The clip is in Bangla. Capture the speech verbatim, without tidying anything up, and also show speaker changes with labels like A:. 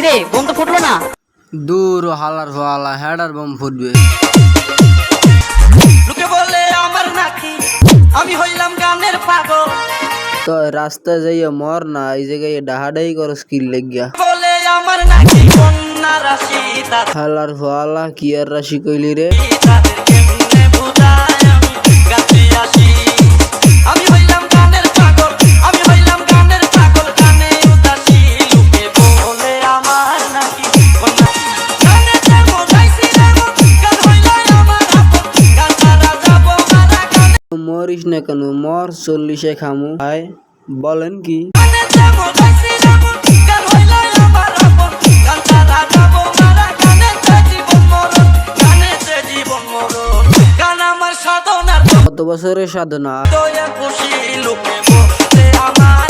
A: কিরে বোম তো ফুটলো না।
B: দূর হালার ফালা হেডার বোম ফুটবে।
C: লোকে বলে আমার নাকি আমি হইলাম গানের পাগল।
B: তো রাস্তায় যাইয়া মর না, এই জায়গায় ডাহাডাই করো স্কিল লেগিয়া।
C: বলে আমার নাকি কন্যা রাশি
B: হালার ফালা কি আর রাশি কইলি রে।
C: তাদের কেমনে বুঝাই আমি গাছে আসি। আমি হইলাম গানের পাগল, আমি হইলাম গানের পাগল, গানে উদাসী। লোকে বলে আমার নাকি কন্যা গানে যাবো যাইছি যাবো গান হইল আমার আপন। গান ছাড়া যাবো মারা গানে
B: মরিস না কেন, মর চল্লিশে খামু। হাই বলেন কি
C: গানে যাবো যাইছি যাবো গান হইল আমার আপন। গান ছাড়া যাবো মারা গানে জীবন মরণ, গানে জীবন মরণ। গান আমার সাধনার
B: কত বছরের সাধনা।
C: দয়া খুশি লোকে বলে আমার